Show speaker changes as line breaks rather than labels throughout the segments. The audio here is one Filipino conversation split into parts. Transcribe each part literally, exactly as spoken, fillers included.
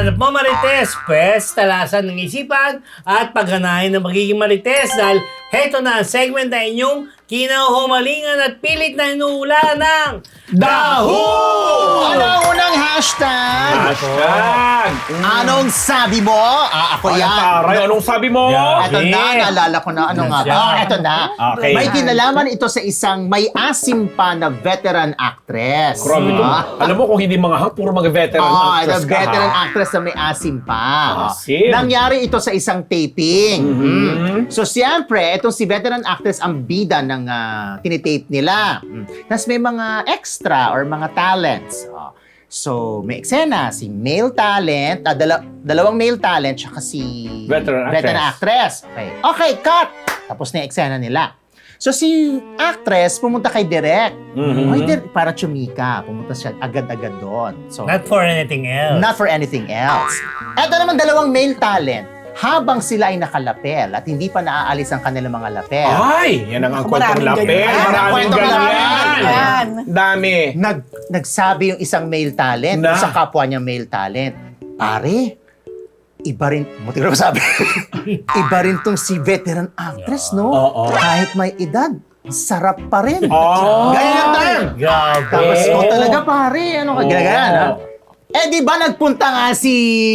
hinahanap mo, Marites, pwes, talasan ng isipan at pagganahin ng magiging Marites dahil heto na ang segment na inyong kinahumalingan at pilit na inuulaan ng
Daho!
Ano ang unang hashtag?
Hashtag!
Anong sabi mo? Ah, ako
Ay,
yan.
taray, anong sabi mo?
Yeah.
Ito na, naalala ko na. Ano nga ba?
Yeah.
Ito na.
Okay.
May kinalaman ito sa isang may asim pa na veteran actress.
Grabe ito.
Ah.
Alam mo kung hindi mga hang, puro mga veteran
Ah,
actress
the
ka,
veteran
ha?
actress na may asim pa.
Asim.
Nangyari ito sa isang taping.
Mhm.
Mm. So, siyempre, itong si veteran actress ang bida ng uh, tinitape nila. Mm. Tapos may mga extra or mga talents. Oh. So, may eksena, si male talent, ah, dala- dalawang male talent, tsaka si
Veteran
veteran actress. Okay. Okay, cut! Tapos na yung eksena nila. So, si actress pumunta kay Direk.
Mhm.
Ay, Direk, para chumika. Pumunta siya agad-agad doon. So,
not for anything else.
not for anything else. Eto naman dalawang male talent. Habang sila ay nakalapel at hindi pa naaalis ang kanilang mga lapel,
Ay, yan ang ang
Ako,
kwentong
maraming
lapel.
ganyan.
Maraming
Kwentong
ganyan.
lapel.
Yan.
Dami.
nag, nagsabi yung isang male talent
Na?
sa kapwa niya male talent, pare, iba rin, muti ko sabi, iba rin tong si veteran actress, no?
Oo.
Kahit may edad, sarap pa rin.
Oh.
Ganyan yung term.
Grabe.
Tapos,
Oo.
oh, talaga pare, ano ka,
Oo.
ginagawa, no? Eh, di ba nagpunta nga si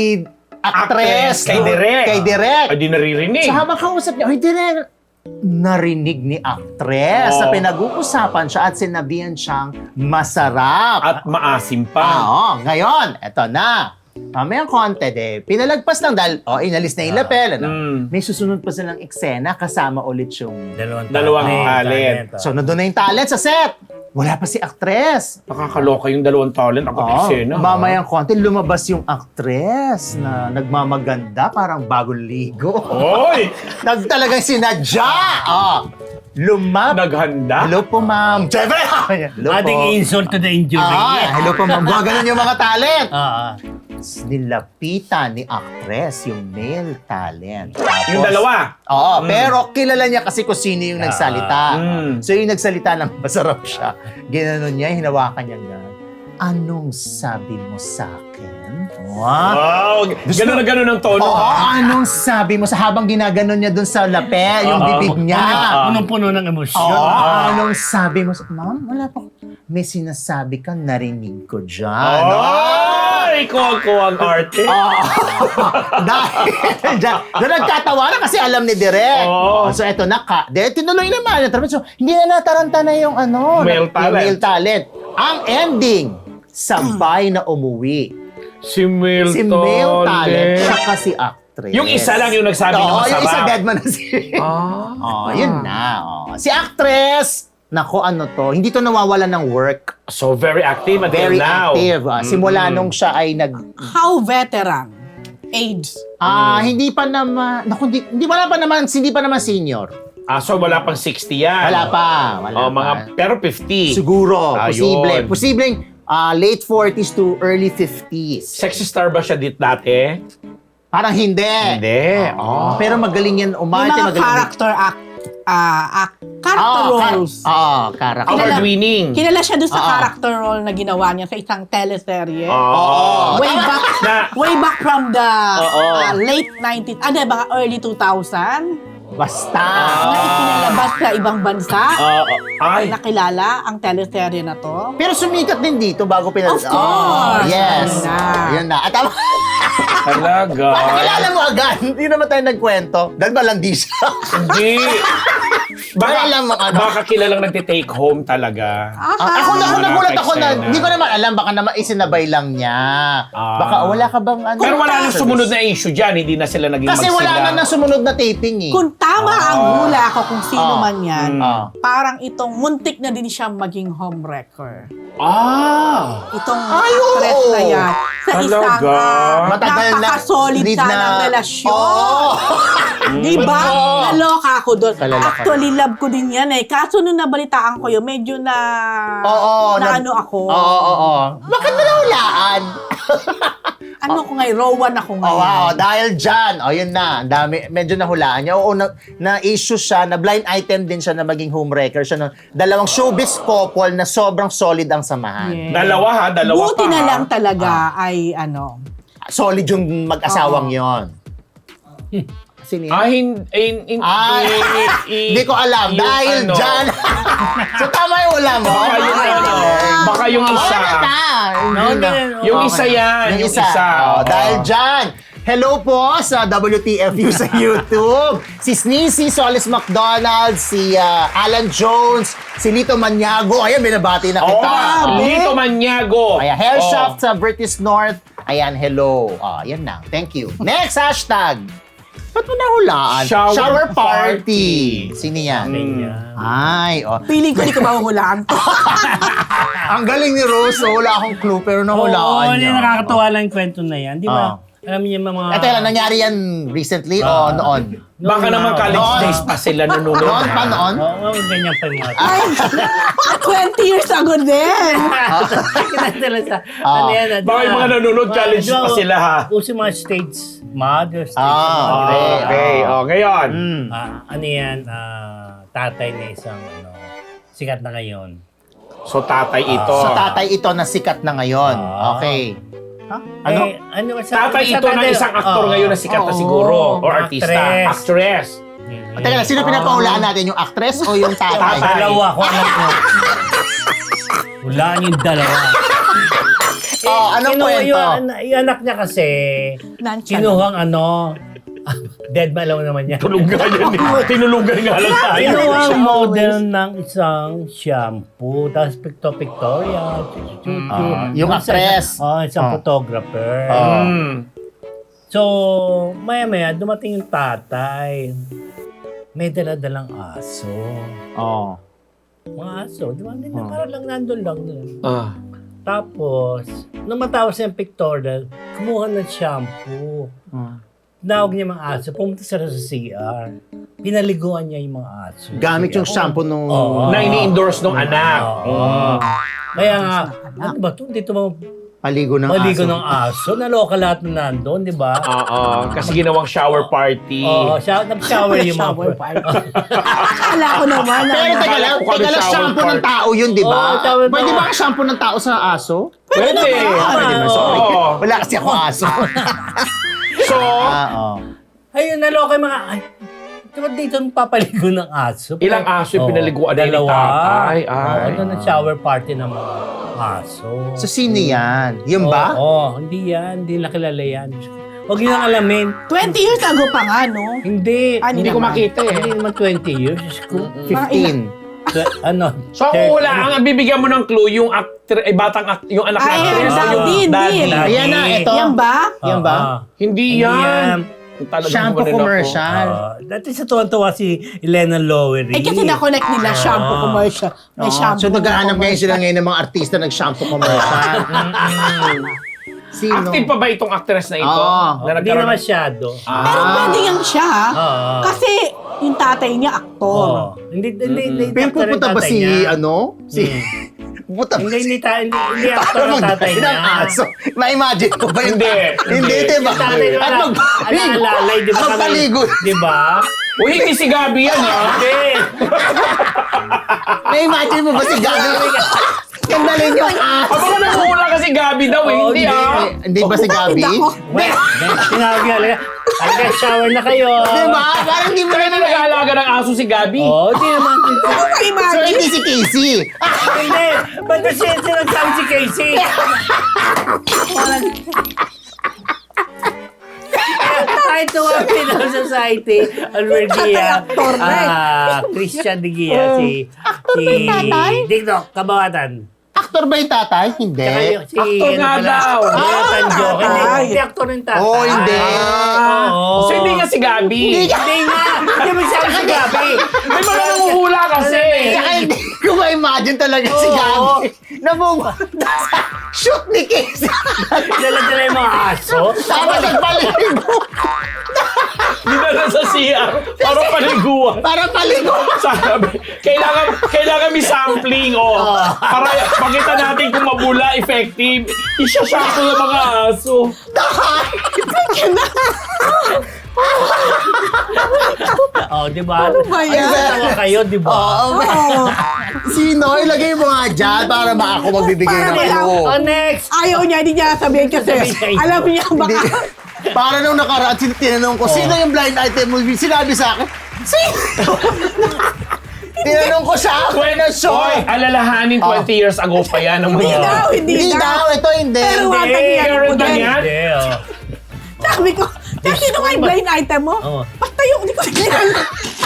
actress,
Actress, kay
no?
Direk.
Kay Direk.
Ay, di naririnig.
So habang kausap niya, ay Direk, narinig ni actress
Oo.
na pinag-uusapan siya at sinabihan siyang masarap.
At maasim
Ah,
pa.
oo. Ngayon, eto na. Mamayang konti, eh. Pinalagpas lang dahil, oh, inalis na yung lapel. Ano?
Mm.
May susunod pa silang eksena kasama ulit yung...
Dalawang,
Dalawang
talent.
talent.
oh.
So, nandun na yung talent sa set. Wala pa si actress.
Nakakaloka yung dalawang talent. Ako
Oo.
eksena. ha?
Mamayang konti, lumabas yung actress na nagmamaganda, parang bagong ligo.
Oy!
Nag talagang sinadya. Oh. Lumab.
Naghanda.
Hello po, ma'am. Siyempre. Hello po.
Ating insult to the injury.
Ah, hello po, ma'am. Gaganon yung mga talent.
Ah,
Nilapitan ni actress yung male talent.
Yung
Tapos-
dalawa.
Oo, pero kilala niya kasi kung sino yung nagsalita.
Mm.
So yung nagsalita ng masarap siya. Ginanon niya, hinawakan niya nga. Anong sabi mo sa akin? Wow.
Wow! Ganun na ganun ang tono.
Oo,
ha?
anong sabi mo sa habang ginaganon niya dun sa lapel, yung
Oo.
bibig niya?
punong-puno ng emosyon.
Oo,
Ah.
anong sabi mo sa... Ma'am, wala pa. May sinasabi ka, narinig ko dyan.
Ay! Ikaw ang arte.
Oo. Dahil dyan, doon nagkatawa na kasi alam ni Direk.
Oo.
So eto na ka. Dahil tinuloy naman. So, hindi na nataranta na yung ano.
Male
yung
talent.
male talent. Ang ending, sabay na umuwi.
Si Milton.
Si male talent, saka si actress.
Yung isa lang yung nagsabi na
Oo,
masarap.
yung isa dead man na si...
Ah.
Oh, yun na. Oh. Si actress, nako ano to, hindi to nawawala ng work.
So, very active until
Very
now.
active. Ah, simula
Mm.
nung siya ay nag...
How veteran? Age?
Ah, hindi pa naman... Naku, hindi, hindi, wala pa naman, hindi pa naman senior.
Ah, so wala pang sixty yan.
Wala pa. Wala
Oh,
pa.
mga, pero fifty.
Siguro,
Ayun.
posible. Posibleng ah, late forties to early fifties.
Sexy star ba siya dit dati?
Parang hindi.
Hindi. Oh.
Pero magaling yan
Yung
umarte.
mga
magaling.
character act, ah, act, character
Oo, kar-
roles.
Oo, character.
Kilala-
Award-winning.
Kilala siya doon sa
Oo.
character role na ginawa niya sa isang teleserye.
Oo.
Way back,
Na-
way back from the
Oo.
ah, late nineties, ah, di ba, early two thousand,
Basta.
na ikinalabas sa ibang bansa.
Oo. Ay.
Nakilala ang teleserye na to.
Pero sumikat din dito bago pinag...
Of course.
Oh, yes.
Yun na.
Yan na. At tama.
Talaga.
Kilala mo agad. Hindi naman tayo nagkwento. Dahil malandi siya.
Hindi. Baka,
Wala lang mga ano.
baka kilalang nagtitake home talaga.
Ah, ako na ako
Mga
nagulat ako na,
eksena.
hindi ko naman alam, baka naman isinabay lang niya.
Ah.
Baka wala ka bang ano?
Pero wala nang sumunod na issue dyan. Hindi na sila naging
Kasi
magsila.
wala na nang sumunod na taping eh.
Kung tama ang
Ah.
hula ko kung sino
Ah.
man yan,
Mm.
Ah.
parang itong muntik na din siya maging homewrecker.
Ah!
Itong
Ay, oo.
actress na yan. Sa isang
Talaga?
uh,
Matagal na-
napaka-solid
lead
sana
na-
ng relasyon.
Oo.
Di ba?
Oo.
Naloka ako doon.
Kalala ka.
Actually, love ko din yan eh. Kaso nung nabalitaan ko yun, medyo na...
Oo.
na
nag-
ano ako.
Oo, oo, oo. Bakit mo nahulaan?
Ano ko ngayon? Rowan ako
Oh,
ngayon.
wow, dahil dyan, oh, yun na, ang dami, medyo nahulaan niya. Oo, na, na-issue siya, na blind item din siya na maging homewrecker siya. No? Dalawang showbiz couple na sobrang solid ang samahan.
Yes.
Dalawa ha, dalawa
Buti
pa
na
ha.
lang talaga ay ano,
solid yung mag-asawang yon. Sino yan?
Ah, hin, hin, hin,
Ah,
i-
hindi ko alam.
yung
Dahil
ano,
dyan. So, tama yung ulam mo.
Baka yung ano, baka yung isa.
Wala na.
No,
Hindi na.
hindi.
Yung
Okay.
isa yan,
Yung
yung
isa.
isa.
Oh,
oo.
dahil dyan. Hello po sa W T F U sa YouTube. Si Sneezy Solis McDonald, si ah, Alan Jones, si Lito Maniago. Ayan, binabati na
Oo,
kita.
oh, Lito Maniago.
Ayan, Hair
Oo.
Shop sa British North. Ayan, hello. Oh, yan na. Thank you. Next hashtag. Ba't mo nahulaan?
Shower
party.
party.
Sino yan?
Ganyan.
Ay, oh.
Feeling ko di ko mahuhulaan to.
Ang galing ni Rose. oh. Wala akong clue, pero
Oo,
nahulaan
hindi
niya.
nakakatawa lang yung kwento na yan. Di ba?
Oo.
Alam niyo yung mga...
Eh, teka lang, nangyari yan recently o
Ah.
noon?
Baka naman college
Noon.
days pa sila nununod.
Noon pa noon?
Oo, oh, ganyan pa yung mga...
Ay, twenty years ago din.
Kinadala sa...
Ah.
Ano yan?
Baka yung mga nanonood, college
Di ba,
pa sila, ha?
Uso yung mga stage mother, stage
Ah,
mother.
okay.
Okay, oh, ngayon.
Mm.
Ah, ano yan? Ah, tatay na isang ano, sikat na ngayon.
So, tatay ito.
So, tatay ito na sikat na ngayon.
Ah.
Okay. Ha? Ano?
Eh, ano sa,
Tatay
sa
ito ng
tatay-
isang aktor
Oo.
ngayon na sikat na
Oo.
siguro. Or artista.
Actress.
Actress.
Mm.
Teka lang, sino pinapahulaan natin? Yung actress o yung tatay?
Tatay.
Dalawa ko alam ko. Wala yung dalawa.
Oh, anong
Kinuha
kwento?
Yung, an- yung anak niya kasi,
Nonchalant.
kinuhang ano, dead ba alam naman niya?
Tulugan yan eh. Tinulugan nga lang tayo.
Kinuhang model ng isang shampoo, tapos picto-pictorial.
Ah, yung actress.
Oh, isang
Ah.
photographer.
Ah.
Mm.
So, maya-maya, dumating yung tatay. May dala-dalang aso.
Oh.
Mga aso, di ba?
Ah.
Parang lang nandun lang.
Ah.
Tapos, nung matapos yung pictorial, kumuha ng shampoo.
Ah.
Tinawag niya mga aso, pumunta sila sa C R. Pinaliguan niya yung mga aso.
Gamit yung shampoo nung...
Oo.
Na ini-endorse ng anak.
Oo.
Mm.
Kaya nga, ano ba ito? Dito mo
Paligo ng
maligo
aso.
ng aso. Naloka lahat na nandun, di ba?
Oo. Kasi ginawang shower party.
Oo, siya, nag-shower yung mga...
Shower party. Akala ko naman.
Pero
ano.
teka lang,
Akala ko kami
teka lang,
shower
shampoo ng
party.
tao yun, di
Oo,
ba?
shower ng
Pwede
tao.
ba ang shampoo ng tao sa aso?
Pwede.
Ah, pwede ba? Sorry.
Oo.
Wala kasi ako aso.
So,
Ah, oh.
Ayun, naloka yung mga... Ay, di ba dito papaligo ng aso?
Ilang aso yung
Oo,
pinaliguan na ni
dalawa.
tatay? Ay.
Oo, ano na shower party ng mga aso.
So, sino yan? Yun ba?
Oo, hindi yan. Hindi nakilala yan. Huwag yun ang alamin.
twenty years ago pa nga, no?
Hindi.
Ah,
hindi ko
naman.
makita eh.
Hindi naman twenty years. Diyos ko.
fifteen.
Tw- ano?
So, kung wala, ang bibigyan mo ng clue, yung actor, eh, batang act, yung anak
Ay,
ng actress,
ang
o yung
daddy,
daddy.
hindi.
Ayan na, ito.
Yan ba?
Yan ba?
Oo.
Hindi
Hindi
yan. Talagang
Shampoo
gumanon ako.
commercial.
Oo. Dati sa tuwan-tuwa si Elena Lowery.
Eh, kasi na-connect nila shampoo
Ah.
commercial. May
Oo.
shampoo.
So, naghahanap ngayon
commercial.
sila ngayon ng mga artista nag-shampoo commercial. Sino?
Active pa ba itong actress na ito?
Oo.
Na
Hindi na
nagkaroon ng-
masyado.
Ah.
Pero pwede yan siya.
Oo.
Kasi yung tatay niya, aktor.
Oo. Hindi, hindi, hindi.
Pero
actor yung
pupunta ba
tatay
si,
niya.
ano? Si...
Hmm.
Pupunta ba
Hindi,
si...
hindi, ta- hindi, hindi actor
Para
ang tatay
magdala
niya.
ng aso. Ma-imagine ko ba yun?
Hindi.
Hindi, di ba?
Yung tatay niya,
At
ala-
magpaligo.
alaalalay, di ba? kami-
Magpaligo.
Di ba?
Uy, hindi si Gabi yan, ha?
Hindi.
Na-imagine mo ba si Gabi? Sandalin yung aso.
O baka nanguhula kasi Gabi daw, eh.
Oo,
Hindi,
hindi.
ah.
Hindi ba si Gabi?
Ako.
Well, sinabi ka lang, talaga shower na kayo.
Di ba? Parang hindi mo
Kaya
na
na nag-aalaga ng aso si Gabi.
Oo, di naman.
So,
Imagine.
hindi si Casey.
Hindi. Ba't na siya sinagsabi si Casey? Parang... Kahit tuwag Pinoy Society, already, ah,
Actor na eh.
ah, Christian de Gia, si... si
ba yung tatay?
Tiktok, kabawatan.
Actor ba yung tatay? Hindi.
Tsaka yung si...
Actor nga
pala,
daw.
Jonathan
Ah,
Joke. Hindi,
tatay.
hindi actor yung tatay.
Oh, hindi.
Oo.
So, hindi nga si Gabi.
Hindi nga. Hindi mo sabi si Gabi.
May mga nanguhula kasi.
Tsaka hindi ko ma-imagine talaga si
Oo.
Gabi na pumunta sa shoot ni Casey.
Dala-dala yung mga aso.
Tapos nagpaligo.
Dinala sa C R para paliguan.
Para paligo.
Sabi, kailangan, kailangan may sampling, oh. Para makita natin kung mabula, effective. Isa-shampoo ng mga aso.
Oh, di ba?
Ano ba yan?
Tawa kayo, di ba?
Oo.
Oo.
Sino? Ilagay mo nga dyan para ba ako magbibigay
Para
ng
wala-
clue.
Oh, next!
Ayaw niya, hindi niya sabihin kasi
Sabihin.
alam niya baka...
Hindi. Para nung nakaraan, sin- tinanong ko, sino yung blind item mo? Sinabi sa akin, sino? Tinanong ko siya after na show.
Hoy, alalahanin twenty years ago pa yan. Ang
Hindi
mga...
daw, hindi,
Hindi daw, ito hindi.
Pero
Hindi,
wata niya
meron
ko
na
din.
yan.
Hindi, oh.
Sabi ko, "Kaya sino nga yung blind item mo?
Oo.
Basta yung, hindi ko kilala.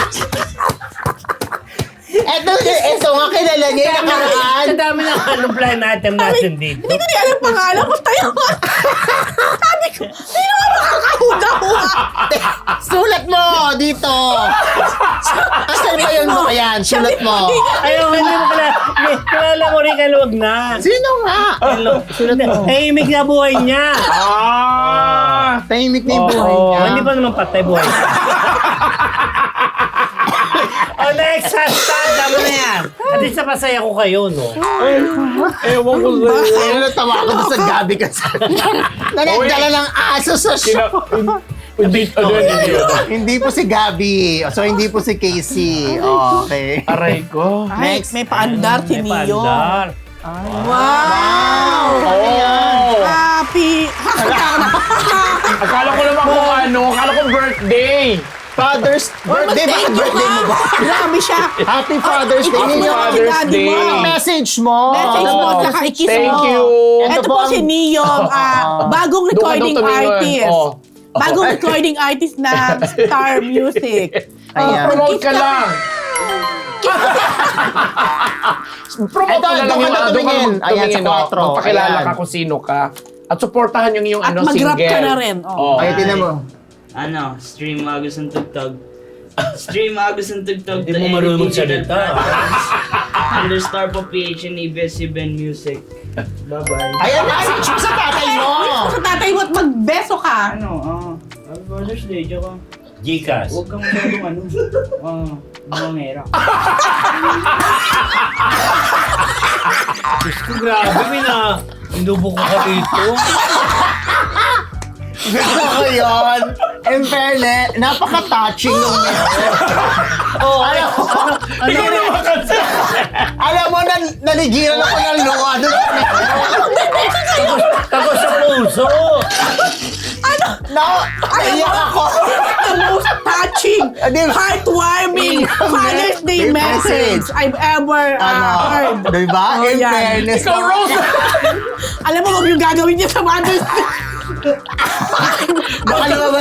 Ito, ito nga kilala niya yung nakaraan.
Sa dami ng anong blind item natin dito.
Hindi ko niya alam pangalan, basta yung... Sabi ko, sino nga makakahuda-huda?
Sulat mo dito. Asan ba yun mo? Ayan, sulat mo.
Ayaw, hindi mo kilala. Hindi, kilala mo rin, kaluwag na.
Sino nga?
Sulat mo. Tahimik na buhay niya.
Ah!
Tahimik na yung buhay
Oo.
niya.
Oh, hindi pa naman patay buhay niya. Oh, next hashtag. Tama na yan. At least napasaya ko kayo, no?
Ewan ko sa'yo.
Ayun, natawa ako doon sa gabi kasi. Nanagdala ng aso sa
Kina...
show.
Hindi, ano yun, hindi yun.
Hindi po si Gabi. So, hindi po si Casey. Okay.
Aray ko.
Ay,
Next.
may paandar si
May
Neo.
paandar.
Wow!
Oh!
Happy!
Akala ko naman kung ano, akala ko birthday.
Father's birthday. Bakit birthday mo ba?
Grabe siya.
Happy Father's Day.
Happy
Ninyo.
Father's
Daddy
Day.
mo.
Anong message mo?
Message mo, saka i-kiss mo.
Thank you.
Ito
Ito
po
po
ang-
si Neo, ah, bagong
Doon ka daw
recording
tumingin.
artist.
Oh.
Bagong recording artist na Star Music.
Ayan.
Oh,
Promote
kiss
ka lang. Promote
Ito,
mo na lang
doon ka
yung
na
ano, doon ka
tumingin.
mag-
Ayan,
tumingin,
sa
oh.
quattro.
Magpakilala
Ayan.
ka kung sino ka. At supportahan yung yung
At
ano,
mag-rap
single.
ka na rin, oh.
Oh.
Ay, tinan mo.
Ano, stream Agus ng Tugtog. Stream Agus ng Tugtog.
Hindi mo marunong magsalita.
Understar po P H and A B S C Ben Music. Bye-bye.
Ayan, message mo sa tatay mo.
Sa tatay mo at magbeso ka.
Ano, ah, Happy Father's Day, joke ka.
Gcash.
Huwag kang masyadong ano. Ah, bumangera.
Diyos ko, grabe, Mina. Inubo ko ka dito.
Gusto ko yun. In fairness, napaka-touching nung
Oh,
alam mo,
ano naman kasi?
alam mo, nan naligiran ako ng luha doon.
Tako sa puso.
No, naiyak ako.
The most touching,
Ah, di ba?
heartwarming Father's Day
Message.
message I've ever uh,
Ano,
heard.
diba?
Oh,
In
yan.
fairness.
Ikaw, Rose!
Alam mo, wag yung gagawin niya sa Father's Day.
Baka lumabas.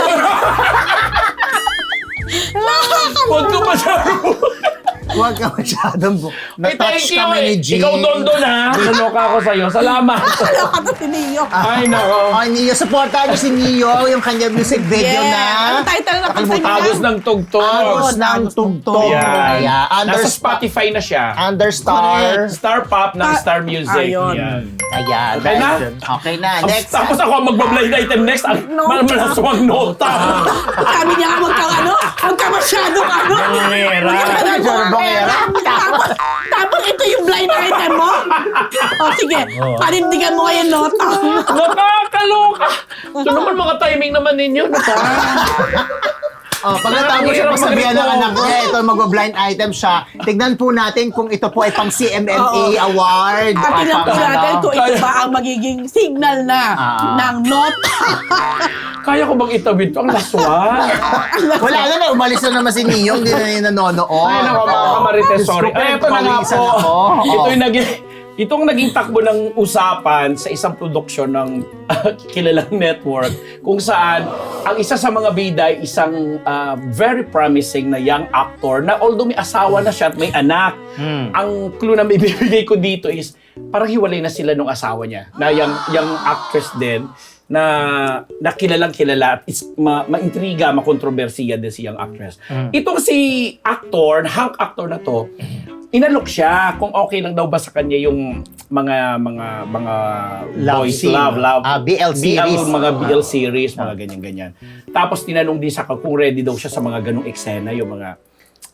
Huwag ka masyado.
Huwag ka masyadong bu-
Ay, thank
Na-touch
you.
kami ni
eh.
G.
Ikaw doon doon ha. Naloka ako sa'yo. Salamat.
Wala ka na si Neo.
Ay, nako.
Oh, Neo, supportahan niyo si Neo, yung kanya music video
Yeah.
na
Ang title na kanta niya?
Agos ng tugtog.
Agos ng
Agos ng
Tugtog.
Yan.
Kaya,
Nasa
under,
Spotify na siya.
Understar.
Star Pop ng
Ta-
Star Music.
Ayun.
Yan.
Ayan.
Okay na?
Okay na.
Tapos-
Next.
Tapos ako ang magbablind item next. Ang
No.
malaswang nota.
Sabi niya nga, wag kang ano, wag ka masyadong ano.
Bangera.
Wag ka masyadong
Masyadong bangera.
Tapos, tapos ito yung blind item mo? O sige,
Oh.
panindigan mo ngayon nota.
Nakakaloka. So naman mga timing naman ninyo. Naka.
Oh, pagkatapos siya
Hirap
magsabihan ng
mag-rito.
anak niya, ito magwa-blind item siya. Tignan po natin kung ito po ay pang C M M A
Oo.
award.
At
o
tingnan po
pang
natin
ano.
kung ito ba ang magiging signal na
Ah.
ng nota.
Kaya ko bang itawid to? Ang laswa.
Wala na na, umalis na naman si Neo, hindi na niya nanonood.
Ay, nako mga kamarites, sorry.
Diyos ko,
Ay, ito na nga
pawisan
po.
ako.
Ito
Oo.
yung naging, itong naging takbo ng usapan sa isang produksyon ng kilalang network kung saan ang isa sa mga bida ay isang ah, very promising na young actor na although may asawa na siya at may anak, ang clue na may bibigay ko dito is parang hiwalay na sila nung asawa niya na young, young actress din na nakilalang kilala at is, ma, ma-intriga, makontrobersiya din si young actress. Itong si actor, hunk actor na to, inalok siya kung okay lang daw ba sa kanya yung mga mga mga
Love
boys
scene.
love love
Ah, B L series.
mga B L series, mga ganyan ganyan. Tapos tinanong din sa kung ready daw siya sa mga ganung eksena, yung mga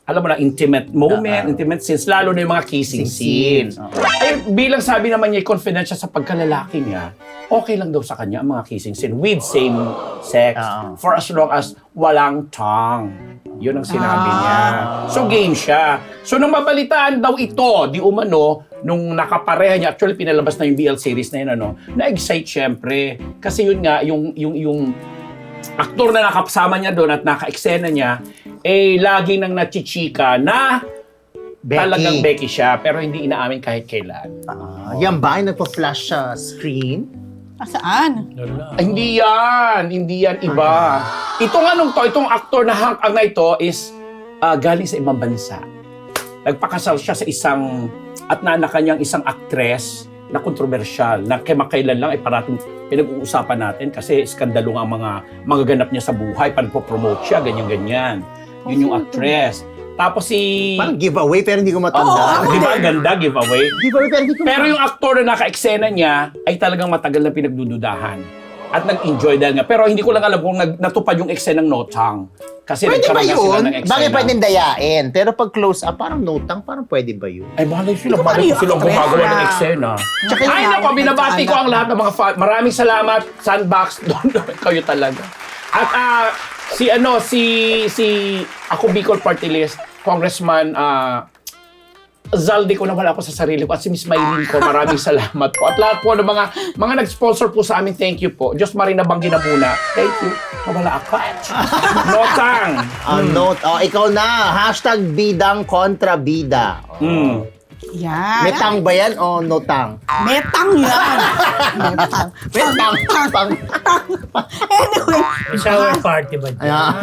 alam mo na, intimate moment,
Ah, ah.
intimate scenes, lalo na yung mga kissing
Kissing
scenes.
scene.
Ay, bilang sabi naman niya, confident siya sa pagkalalaki niya, okay lang daw sa kanya ang mga kissing scene with same sex
Ah.
for as long as walang tongue. Yun ang sinabi
Ah.
niya. So, game siya. So, nung mabalitaan daw ito, di umano, nung nakapareha niya, actually pinalabas na yung B L series na yun, ano, na-excite syempre. Kasi yun nga, yung, yung, yung aktor na nakasama niya doon at naka-eksena niya, eh, lagi nang nachichika na
Becky.
talagang Becky siya, pero hindi inaamin kahit kailan.
Ah, yan ba yung nagpa-flash sa screen?
Ah, saan?
Lala.
Ay, hindi yan. Hindi yan iba. Itong anong to, itong aktor na hang ang na ito is ah, galing sa ibang bansa. Nagpakasal siya sa isang at naanak niyang isang actress na kontrobersyal, na kemakailan lang ay parating pinag-uusapan natin kasi skandalo nga ang mga mga ganap niya sa buhay, panpo-promote siya, ganyan-ganyan. Yun yung actress. Tapos si...
Parang giveaway pero hindi ko
Oo,
matanda.
di ba? Ganda, giveaway.
Giveaway pero hindi ko
Pero yung aktor na naka-eksena niya ay talagang matagal na pinagdududahan. At nag-enjoy dahil nga. Pero hindi ko lang alam kung nag natupad yung eksena ng No Tongue. Kasi
Pwede ba
nagkaroon na sila
yun?
ng eksena.
Bakit pwedeng dayain? Pero pag close up, parang notang, parang pwede ba yun?
Ay, malay sila.
Ito
Malay
ba
ko silang
yung
gumagawa
actress
ng
na-
eksena.
Tsaka
Ay,
yung-
nako, binabati ko
nagkaanak.
ang lahat ng mga fan. Maraming salamat, Sandbox. Doon, kayo talaga. At ah, si ano, si, si, ako Bicol Party List, Congressman, ah, Zaldi ko na wala ako sa sarili ko at si Miss Maylin ko, maraming salamat po. At lahat po ng mga mga nag-sponsor po sa amin, thank you po. Diyos Marina Banggi na muna. Thank you. Nawala ako. Notang.
Ah, note. Oh, ikaw na. Hashtag bidang kontra bida.
Mm.
Yan.
Metang ba yan o notang?
Metang yan. Metang.
Metang. Pang.
Anyway.
May shower party ba dyan?
Ayan.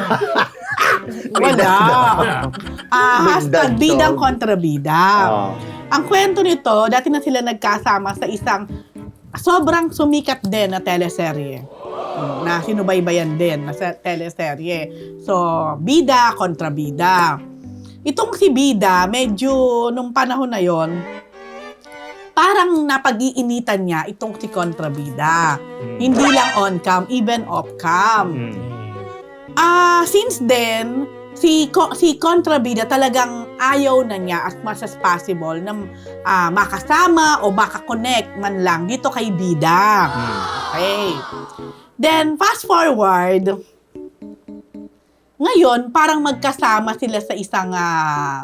Wala. Ah, hashtag
Bidang
bidang
dog.
kontra bida.
Oh.
Ang kwento nito, dati na sila nagkasama sa isang sobrang sumikat din na teleserye. Na sinubaybayan din na sa teleserye. So, bida kontra bida. Itong si Bida, medyo nung panahon na yon, parang napag-iinitan niya itong si kontrabida. Hindi lang on-cam, even off-cam.
Hmm.
Ah, since then, si ko, si kontrabida talagang ayaw na niya as much as possible na ah, makasama o makakonect man lang dito kay Bida. Okay. Then, fast forward, ngayon, parang magkasama sila sa isang ah,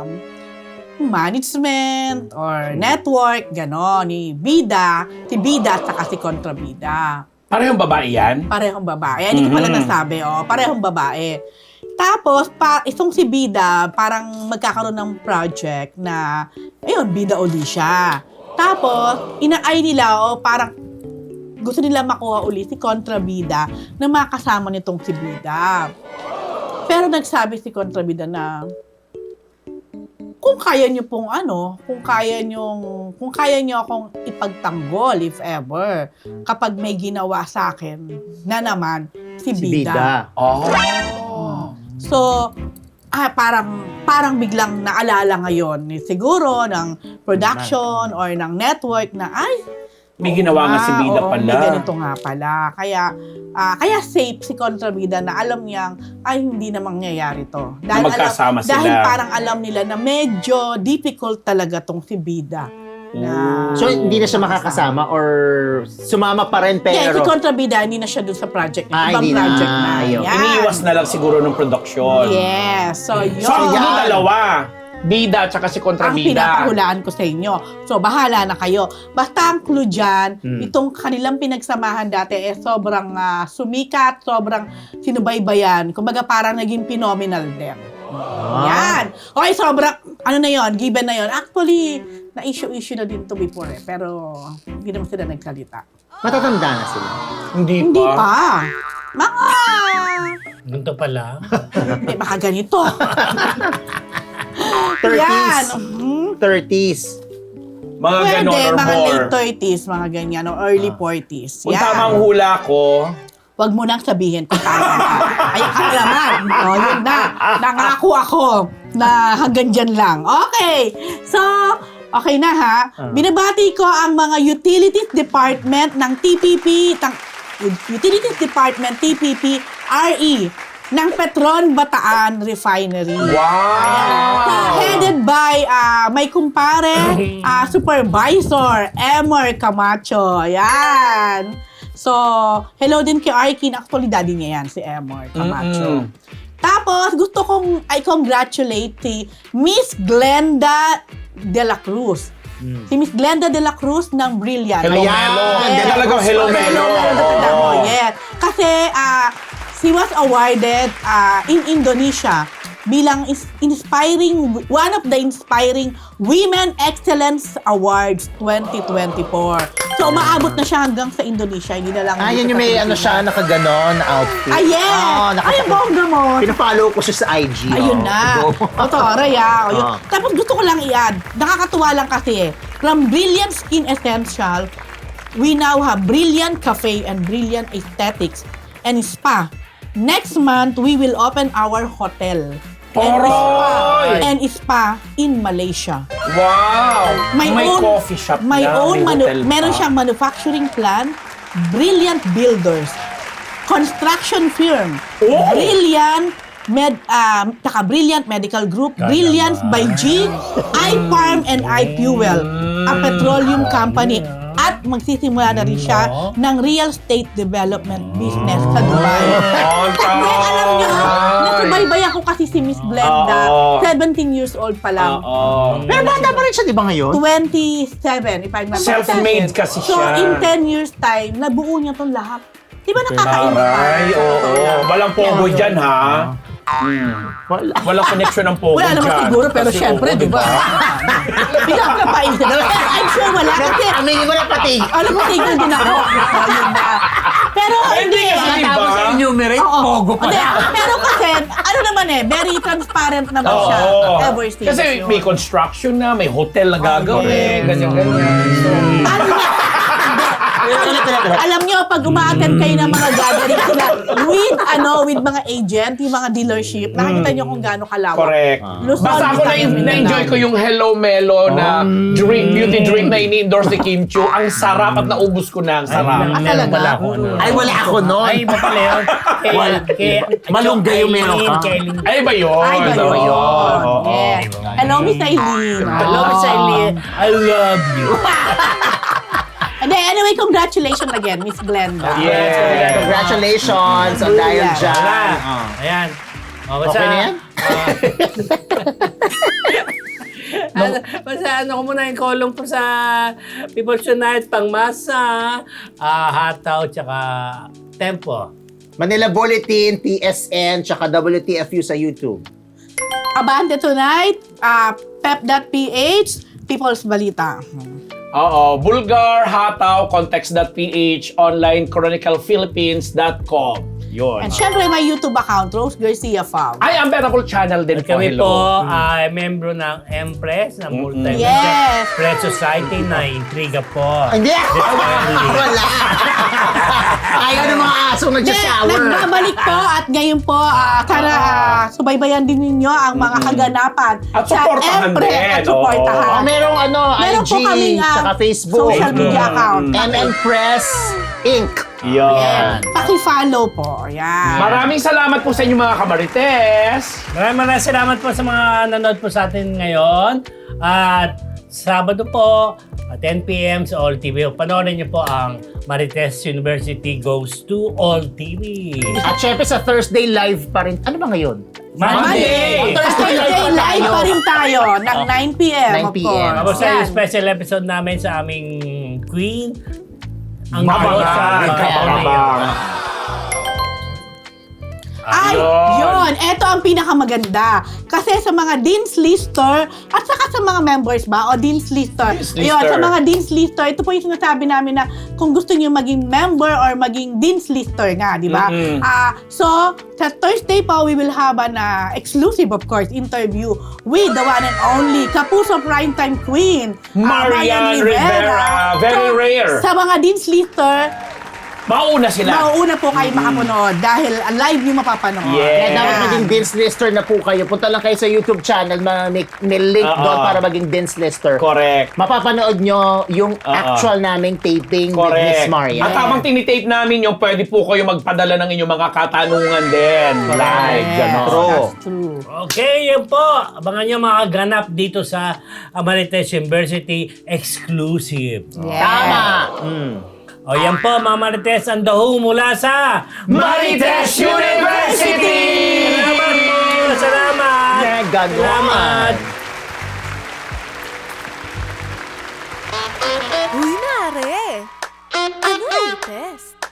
management or network, gano'n, ni Bida, si Bida at saka si kontrabida.
Parehong babae yan?
Parehong babae. Hindi ko pala
Mhm.
nasabi, oh. Parehong babae. Tapos, pa, itong si Bida, parang magkakaroon ng project na, ayun, Bida uli siya. Tapos, inaay nila, oh, parang gusto nila makuha uli si kontrabida na makasama nitong si Bida. Pero nagsabi si kontrabida na, kung kaya niyo pong ano, kung kaya niyo, kung kaya niyo akong ipagtanggol if ever, kapag may ginawa sa akin na naman si
Si
Bida.
bida.
Oh.
So, ah, parang parang biglang naalala ngayon ni siguro ng production or ng network na ay
May ginawa nga si
ah,
Bida
oo,
pala.
May ganito nga pala. Kaya ah, kaya safe si kontrabida na alam niyang ay hindi na mangyayari to.
Na magkasama
alam,
sila.
Dahil parang alam nila na medyo difficult talaga tong si Bida. Na,
So, hindi na siya makakasama or sumama pa rin
Yeah, si
pero...
kontrabida, hindi na siya dun sa project niya.
Ah,
Ibang
hindi na.
project na.
Ayaw.
Yan.
Iniiwas na lang siguro ng produksyon.
Yes. So, yun.
So, ang
Yan.
gulo dalawa. Bida at saka si
ang
kontrabida.
pinapahulaan ko sa inyo. So, bahala na kayo. Basta ang clue dyan,
Hmm.
itong kanilang pinagsamahan dati eh sobrang ah, sumikat, sobrang sinubaybayan. Kumbaga parang naging phenomenal din.
Ah.
Yan. Okay, sobrang, ano na yon, given na yon. Actually, na-issue-issue na din to before eh. Pero, hindi naman sila nagsalita.
Matatanda na sila.
Hindi,
Hindi
pa.
pa. Mga,
Ganito pala.
hindi, baka ganito. Yan.
thirties.
Mhm.
thirties.
Mga
Pwede,
ganon or
mga
more.
late thirties, mga ganyan, o early forties.
Kung
Yan.
tama ang hula ko,
Huwag mo nang sabihin kung tama ka. Ay, ka naman. O, yun na. Nangako ako na hanggang dyan lang. Okay. So, okay na ha. Binabati ko ang mga Utilities Department ng T P P, tang, Utilities Department, T P P, R E, ng Petron Bataan Refinery.
Wow!
Headed by uh, my kumpare, uh, Supervisor Emer Camacho. Ayan. So, hello din kay Arkin. Actually, daddy niya yan, si Emer Camacho.
Mm-mm.
Tapos, gusto kong I-congratulate si Miss Glenda De La Cruz. Si Miss Glenda De La Cruz ng Brilliant.
Hello,
Ayan.
Melo.
Yes.
Talagang hello, Melo.
Oh,
Oo.
yes. Kasi, ah, she was awarded ah, in Indonesia bilang is- inspiring, one of the inspiring Women Excellence Awards twenty twenty-four. So, umaabot na siya hanggang sa Indonesia. Hindi na lang
Ah,
dito
yan yung
sa
may ano
Pilipinas.
siya, nakaganon na outfit.
Ah, yes!
Oh,
Ay, ang bongga mo.
Pinafollow ko siya sa I G.
Ayun
oh.
na.
Go.
O, Toray, ah. O, yun.
Ah.
Tapos gusto ko lang i-add, nakakatuwa lang kasi, from Brilliant Skin Essential, we now have Brilliant Cafe and Brilliant Aesthetics and Spa. Next month, we will open our hotel and spa,
Aray!
and spa in Malaysia.
Wow!
My
May
own-
coffee shop
My
na,
own,
may
manu-
hotel
meron
pa.
siyang manufacturing plant, Brilliant Builders, construction firm,
Oh!
Brilliant Med, um, taka Brilliant Medical Group, Brilliance by G, iFarm and iFuel, a petroleum company. At magsisimula na rin siya ng real estate development business sa Dubai.
Oh,
Hindi, alam niyo ha, nasubaybay ako kasi si Miss Glenda,
Oo.
seventeen years old pa lang.
Oo.
Pero bata pa rin siya, di ba ngayon?
twenty-seven, if I'm not
Self-made
mistaken.
kasi
So,
siya.
in ten years time, nabuo niya tong lahat. Di ba nakaka-inspire?
Aray, oo. Walang pogo dyan, ha?
Wala.
Walang connection ng pogo
Wala naman
dyan.
siguro, pero
Kasi,
syempre,
oo,
di ba? Bigla ko na paisip. I'm sure wala kasi,
Aminin mo na pati.
alam mo, tigil din ako. Ayun na. Pero
Hindi
hindi.
kasi, di ba?
Tapos enumerate,
Oo.
pogo pa
Hindi,
na.
pero kasi, ano naman eh, very transparent naman siya.
Oo.
Ever since.
Kasi
yun.
may construction na, may hotel na gagawin,
correct.
ganyan-ganyan. So,
Ano na? Alam nyo, pag umaattend kayo ng mga gathering sila with, ano, with mga agent, yung mga dealership, nakikita nyo kung gaano kalawak.
correct.
Luzon,
Basta ako na,
Visayas, Mindanao.
na-enjoy ko yung Hello Melo na drink, beauty drink na ini-endorse ni Kim Chiu. Ang sarap at naubos ko na ang sarap.
Ah, talaga?
Wala ako, ano.
Ay, wala ako nun.
Ay, iba pala yun. Kay,
Wala.
kay,
Malunggay yung meron ka.
Kay Eileen.
Ay, ba yun?
Ay, ba
Oo,
yun?
oo, oo.
Yes. Hello, Miss Eileen.
Hello, Miss Eileen. I love you.
And then, anyway, congratulations again, Miss Glenda.
Yeah.
Congratulations on dahil
Wala.
dyan.
Wala.
Oh.
Ayan. O, basta,
Okay na yan?
ano, basta ano ko muna yung kolong po sa People's Tonight, Pangmasa, uh, Hataw, tsaka Tempo.
Manila Bulletin, T S N, tsaka W T F U sa YouTube.
Abante Tonight, uh, pep.ph, People's Balita.
Oo, Bulgar, Hataw, Context.ph, online, chronicle philippines dot com. Yun.
And syempre, may YouTube account, Rose Garcia Fam.
Ay, ang Unbearable channel din
At
po.
kami
Hello.
po ay membro ng Empress, ng multi
Yes.
Press Society na intriga po.
Hindi! Wala! Ayaw ng mga asong
Then,
nag-shower.
nagbabalik po at ngayon po, ah, sana ah, subaybayan din ninyo ang mga kaganapan
At supportahan
Empress
din,
at supportahan.
Oh, merong ano,
Meron
I G,
po kaming ah,
tsaka Facebook.
social media account.
M N Press Incorporated.
Yan.
Paki-follow po. Yan.
Maraming salamat po sa inyo mga kamarites.
Maraming maraming salamat po sa mga nanood po sa atin ngayon. At Sabado po, at ten p.m. sa All T V. Panoorin niyo po ang Marites University Goes to All T V.
At syempre sa Thursday live pa rin. Ano ba ngayon?
Monday!
Monday!
Thursday live pa rin tayo ng nine p.m.
nine
of
p.m.
course.
Tapos sa
Yan.
yung special episode namin sa aming Queen, ang
Mabang,
Diyos sa
nagkabang.
Mayor.
Ay,
Yun.
yun. Ito ang pinakamaganda. Kasi sa mga Dean's Lister, at saka sa mga members ba, o Dean's Lister.
Dean's
Yun,
Lister.
sa mga Dean's Lister, ito po yung sinasabi namin na kung gusto niyo maging member or maging Dean's Lister nga, di ba?
Mm-mm.
Ah, so, sa Thursday po, we will have an ah, exclusive, of course, interview with the one and only Kapuso Primetime Queen, ah,
Marian Rivera. Very
So,
rare.
Sa mga Dean's Lister,
Mauna sila.
Mauuna po kayo makapanood dahil live yung mapapanood.
Yeah.
Kaya dapat maging Dance Lister na po kayo. Punta lang kayo sa YouTube channel, ma- may, may link
Oo.
doon para maging Dance Lister.
Correct.
Mapapanood nyo yung actual naming taping with Miss
Correct.
Maria.
At habang tinitape namin yung pwede po kayo magpadala ng inyong mga katanungan din. Live.
Yes,
Ganon.
True.
that's true.
Okay, yan po. Abangan nyo mga ganap dito sa Marites University exclusive.
Yes.
Tama! Mm.
O yan po, mga Marites, ang daho mula sa
Marites University!
Salamat po! Salamat!
Yeah, ganon.
Salamat!
Uy, nare! Ano ay test?